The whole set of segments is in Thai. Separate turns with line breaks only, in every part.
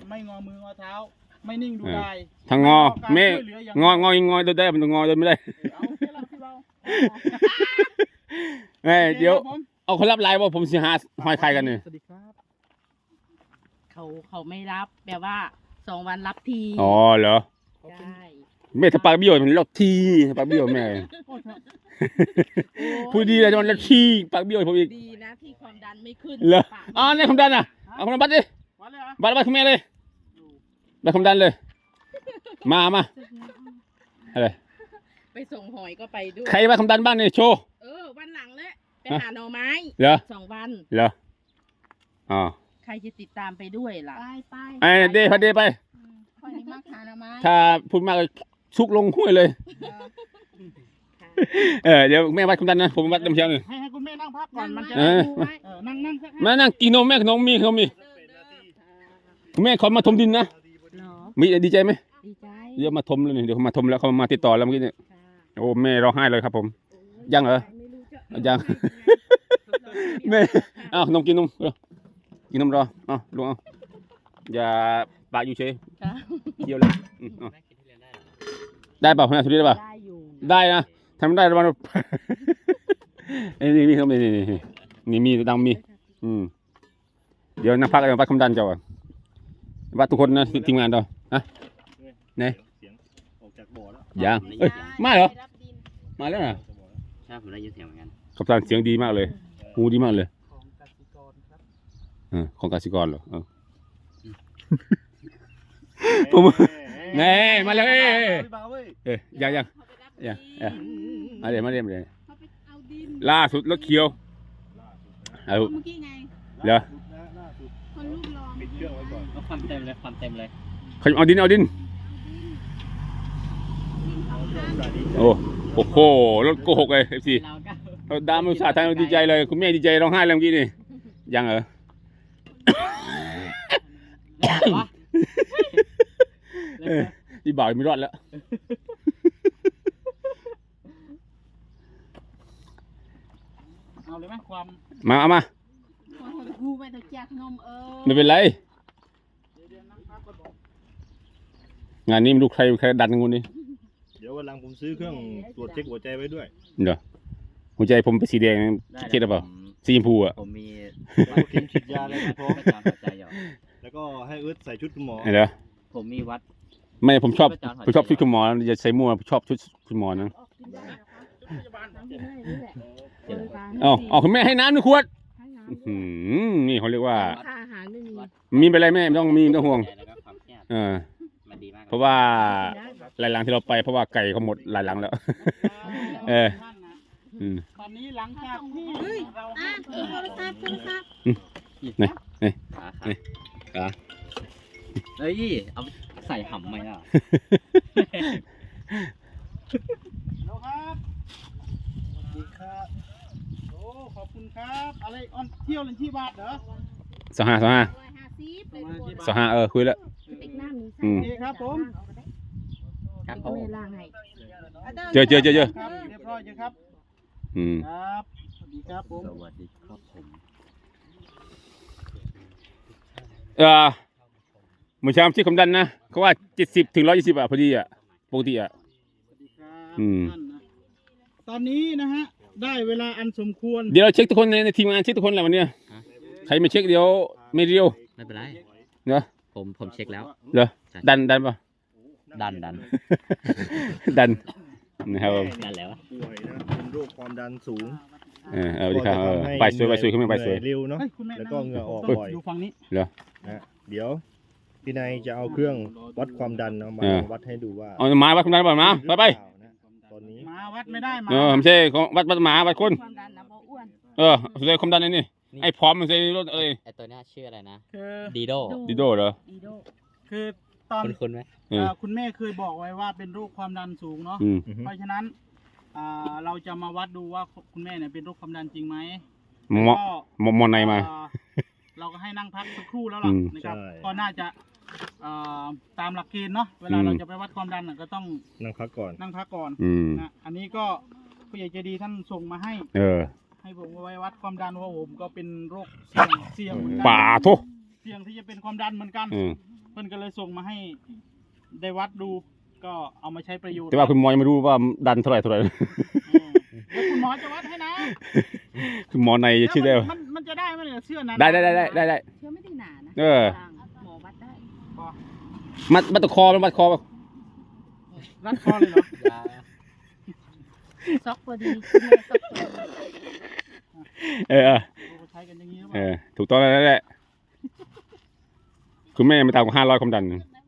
ไม่งอมืองอเท้าไม่นิ่งดูได้
ทางงอแม่งอเดินได้มันงอเดินไม่ได้เดี๋ยวเอาคนรับไลน์ว่าผมสิหาหอยใครกันเนี่ย
สวัสดีครับ
เขาไม่รับแบบว่า2 วันรับที
อ๋อเหรอ
ใช่
แม่ถ้าปากเบี้ยวมันรับทีปากเบี้ยวแม่พูดดีเลยมันรับทีปากเบี้ยวผมอีก
ดีนะที่ความดันไม่ขึ้น
เหรอ
ปาก
อ๋อนี่ความดันอ่ะเอาความดันบัตรดิ
วันเลยเหรอ
บัตรคุณแม่เลยบัตรความดันเลยมาอะไร
ไปส่งหอยก็ไปด้วย
ใครบัตรความดันบ้างเนี่ยโชว์
วันหลังเลยไปหาหน่อไม้
เหรอ
2 วัน
เหรออ๋อ
ใครจะติดตามไปด้วยล่ะ
ไป
ไอ้เดย์พอเดย์ไป
คอยมากหาหน่อไม้
ถ้าพูดมากชุกลงห้วยเลย เดี๋ยวแม่วัดความดันนะผมวัดน้ำเชียวหนึ่ง
ให้คุณแม่นั่งพักก่อนมันจะ นั่งสัก
มานั่งกินนมแม่ขนมมีคุณแม่ขอมาถมดินนะ
เหรอ
มีดีใจไหม
ดีใจ
เดี๋ยวมาถมเลยเดี๋ยวเขามาถมแล้วเขามาติดต่อแล้วเมื่อกี้เนี่ยโอ้แม่ร้องไห้เลยครับผมยังเหรอยังแม่อ้าวขนมกินนมกินนมรออ้าวลุงเอาอย่าปากอยู่เฉยเคี้ยวเลยได้เปล่าแม่สุดได้เปล่า
ได้อยู่
ได้นะทำได้ระวังนี่มีครับนี่มีดังมีเดี๋ยวนักพักวัดความดันเจ้าวัดทุกคนนะทีมงานเราฮะไหน
เสียงออกจากบ่อแล้ว
ยังเอ้ยมาเหรอมาแล้วนะ
ใช่ผมได้ยินเสียงเหมือนกัน
ขับตันเสียงดีมากเลยหูดีมากเลย
ของกสิกรครับ
ของกสิกรเหรอผมไงมาแล้วยังมาเดี๋ยวล่าสุดรถเขียว
เมื่อกี้ไง
เหรอ
คนรูปรอง
ปิดเครื่องไว้ก่อน
เอาความเต็มเลยความเต็มเลย
เอาดินโอ้โหรถโกหกเลยFC เราดามอุตส่าห์ทำดีใจเลยคุณแม่ดีใจร้องไห้เลยเมื่อกี้นี่ยังเหรอที่บ่าวไม่รอดแล้ว
เอาเลยไหมความ
เอามา
กูไปตัวแจกนม
ไม่เป็นไร
เดี๋ยวนั่งพักก่อนบอก
งานนี้ไม่รู้ใครดันงูนี่
เดี๋ยววันหลังผมซื้อเครื่องตรวจเช็คหัวใจไว้ด้วย
เดี๋ยวหัวใจผมเป็นสีแดงคิดหรือเปล่าสีชมพูอ่ะ
ผมมี
แล้วก็เข็มฉีดยาอะไรพร้อม
ประจำหัวใจอยู่
แล้วก็ให้เอิร์ธใส่ชุดคุณหมอ
เหรอ
ผมมีวัด
ไม่ผมชอบชุดคุณหมอจะใส่มั่วชอบชุดคุณหมอนะ เอาคุณแม่ให้น้ำหนึ่งขวดนี่เขาเรียกว่า
ค่าอาหารไม่มี
มีไปเลยแม่ไม่ต้องห่วง
แล้วก็ความเครียด มันดีมาก
เพราะว่าหลายหลังที่เราไปเพราะว่าไก่เขาหมดหลายหลังแล้ว
ตอนนี้หลังจากที่เรา
โทรศัพท์
ขาเฮ้ย เอาใส่ห่ำไหมล่ะ
แล้วครับสวัสดีครับโอ้ขอบคุณครับอะไรเที่ยวเล่นที่บาทเหรอ
25คุยแล้ว
ติ๊กน้ำนี้
โอเคครับผม
ครับผ
ก็
ม
ไม่ล่างให้
เจอ
ครับเรียบร้อยครับครับสวัสดีครับผม
สวัสดีครับผม
เมื่อเช้าที่ความดันนะเขาว่า70 ถึง 120พอดีปกติ
สวัสดีครับท่านนะตอนนี้นะฮะได้เวลาอันสมควร
เดี๋ยวเราเช็คทุกคนในทีมงานเช็คทุกคนแหละวันนี้ใครไม่เช็คเดี๋ยวไม่เรียว
ไม่เป็นไร
เนอะ
ผมเช็คแล้ว
เหรอดันป่ะ
ดัน
ดันนะครับ
ดันแล้ว
ป่วยนะเป็นโรคความดันสูง
เอาดีครับไปสวยขึ้นมาไปสวย
เร็วเนาะ
คุณแม่
แล้วก็เหงื่อออกบ่อย
ดูฝั่งนี้
นะเดี๋ยวพี่นายจะเอาเครื่องวัดความดันเอามาวัดให้ดูว่า
เอาหมาวัดความดันป่ะมาไป
นะตอนนี้
มาวัดไม่ได้มา
ไม่ใช่ของวัดหมาวัดคน
ความดันนะเพราะอ้วน
สุดท้ายความดันนี่ไอ้พร้อมมันใส่รถอะไร
ไอตัวเนี้ยชื่ออะไรนะ
คือ
ดีโด
ดิโดเหรอ
ดีโด
คือตอน
คุณไหม
คุณแม่เคยบอกไว้ว่าเป็นโรคความดันสูงเนาะเพราะฉะนั้นเราจะมาวัดดูว่าคุณแม่เนี่ยเป็นโรคความดันจริงไหม
มอนในมา
เราก็ให้นั่งพักสักครู่แล้วล่ะนะครับก็น่าจะตามหลักเกณฑ์เนาะเวลาเราจะไปวัดความดันก็ต้อง
นั่งพักก่อน
นั่งพักก่อนนะอันนี้ก็ผู้ใหญ่ใจดีท่านส่งมาให้ให้ผมไว้วัดความดันเพราะผมก็เป็นโรคเสี่ยงเหมือนกัน
ป่าทุ
เสี่ยงที่จะเป็นความดันเหมือนกันเพพิ่นก็เลยส่งมาให้ได้วัดดูก็เอามาใช้ประโยชน์
แต่ว่าคุณหมอยังไม่รู้ว่าดันเท่าไหร่
เดี๋ยวคุณหมอจะวัดให้นะ
คุณหมอในจะชื่อได้
แล้วมันจะได้ไหมเนี่ยเสื้อนั้น
ได้
เชื่อไม่ได้หนานะ
เออ
หมอวัดได้
มัดตะคอมันมัดคอ
รัดคอเลยเหรอ
ซอกพอดี
เออ
โอ้ใช้กันอย่างนี้หรือเป
เอ
ล่า
อถูกต้องแล้วแหละคุณแม่ไม่ต่ำกว่า500ความดัน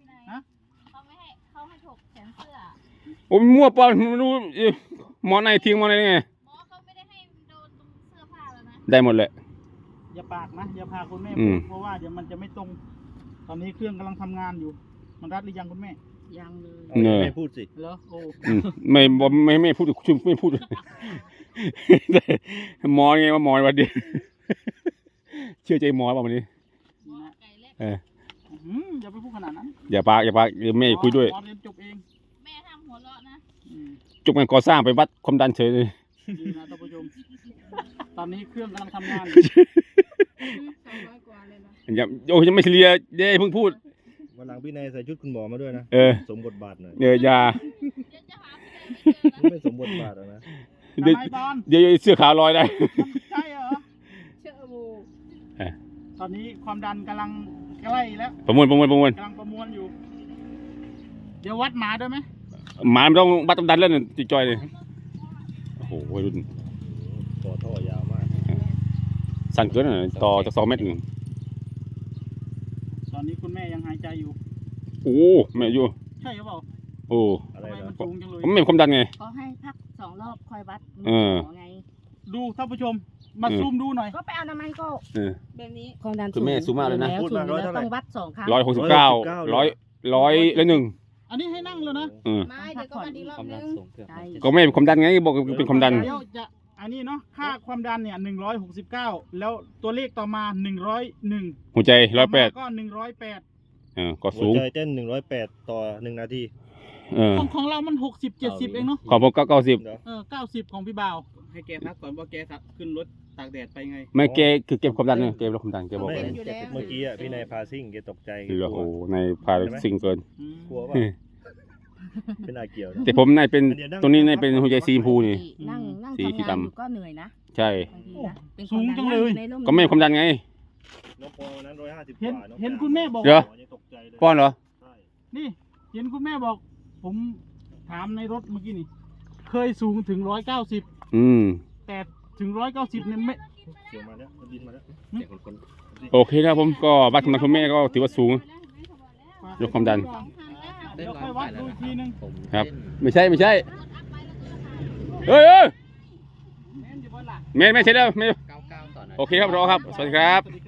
เขาให้ถกแขนเสื้อ
โอ้ยมั่วเปล่าไม่รู้หมอในทิ้งหมอในไง
หมอเขาไม่ได้ให้โดนตรงเสื้อผ้าแล้วนะ
ได้หมดเลย
อย่าปากนะอย่าพาคุณแม่
อื
พู
ม
ดเพราะว่าเดี๋ยวมันจะไม่ตรง ตอนนี้เครื่องกำลังทำงานอยู่ มันรัดหรือยังคุณแม่
ยังเลย
เอาไม่พูดสิ
เหรอโอ้
ไม่พูดชุมไม่พูด หมอไงว่าหมอวันเดียวเชื่อใจหมอเปล่าวันนี้
ไก่เล็ก
เออ
อย่าไปพูดขนาดนั้น
อย่าปากเดี๋ยวแม่คุยด้วย
หมอเรียนจบเอง
แม่ทำหัวเราะนะ
อืม
จบงานก่อสร้างไปวัดความดันเฉยเลย
ดีนะท่านผู้ชมตอนนี้เครื่องกำลังทำงาน
200 กว่าเลยนะ
อย่าโอ้ยยังไม่เคลียร์เด้เพิ่งพูด
วันหลังพี่นายใส่ชุดคุณหมอมาด้วยนะ
เออ
สมบทบาทหน่อย
อย่า
เดี๋ยวจะหาพี่เลยไม่เจอนะ
ไม่สมบทบาทหรอกนะ
เดี๋ยว
ทำไมบอล
เดี๋ยวเสื้อขาวลอยได้
ใช่เหรอ
เชื่อโม
ตอนนี้ความดันกำลังใกล้แล้ว
ประมวล
กำลังประมวลอยู่ เดี๋ยววัดหมาด้วยไหม
หมามันต้องวัดความดันแล้วเนี่ยจิจอยเลยโอ้โหวัยรุ่น
ต่อท่อยาวมาก
สั้นเกินอ่ะต่อจาก2 เมตร
ตอนนี้คุณแม่ยังหายใจอยู่
โอ้แม่อยู่
ใช่หรือเปล่า
โอ้
อะไร
ทำไม
นะ
มันสูงจังเลย
ผมไม่มีความดันไง
ก็ให้พัก2 รอบคอยวัด
เออ
หมอไง
ดูท่านผู้ชม มาซูมดูหน่อย
ก็ไปเอาน้ำมันก็
เออ
แบบนี้ความดัน
คุณแม่สูงมากเลยนะ
สูงแล้วต้องวัด2 ครั้ง
169 100
อันนี้ให้นั่งเลยนะ
เออ
ไม่เดี๋ยวก็วัดอีกรอ
ควา
บ
มดั
นึ
น
ง
สูงเกือบ
ใช่
ก็ไม่เป็นความดันไงบอกเป็นความดัน
เดี๋ยวจะอันนี้เนาะค่าความดันเนี่ย169แล้วตัวเลขต่อมา101
หัวใจ
ต่อมา
108
ก็108
ก็
หั
สู
ว
ง
ใจเต้น108ต่อ1นาที
ของเรามัน60-70เองเนาะ
ของผมก็90
เดี๋ยว
90ของพี่บ่าวให้แกพักก่อนเพราะแกขึ้นรถตากแดดไปไง
ไม่เกคือเก็บความดันเนี่ยเก็บความดันแกบอก
ไม่
เลย
เมื่อกี้อ่ะพี่นายพาซิ่งแกตกใจแก
เหลือก
ลั
โอ้
ว
ในพาซิงเกิน
กลัวป่ะเป็นอาเกี่ยวนะ
แต่ผมนายเป็นตัวนี้นายเป็นหัวใจสีชมพูนี่
นั่ง
สี
ทำงาน
ดำ
อยู่ก็เหนื่อยนะ
ใช่
บางทีนะเป็น
สูงจังเลย
ในร่
ก็ไม่เป็นความดันไง
น้องปอวันนั้น150ก
เห็น
ว่าน้อง
เห็นคุณแม่บอก
เดี๋ยว
ยังตกใจเลย
ป้อนเหรอ
ใช่
นี่ เห็นคุณแม่บอก ผมถามในรถเมื่อกี้นี่ เคยสูงถึง190
อืม
แต่ถึง190เนี่ยไม่
เกี่ยวมาแล้วมันบินมาแล้ว
เดี๋ยวคน
โอเคครับผมก็วัดความดันคุณแม่ก็ถือว่าสูง ยกความดัน
เดี๋ยวค่อยวัดดูอีกทีนึง
ผม
ครับ
เล่น
ไม่ใช่เฮ้ย
แม่นอยู่บนหลัก
ไม่เสร็จแล้วไม่
99ต่อนาที
โอเคครับรอครับ สวัสดีครับ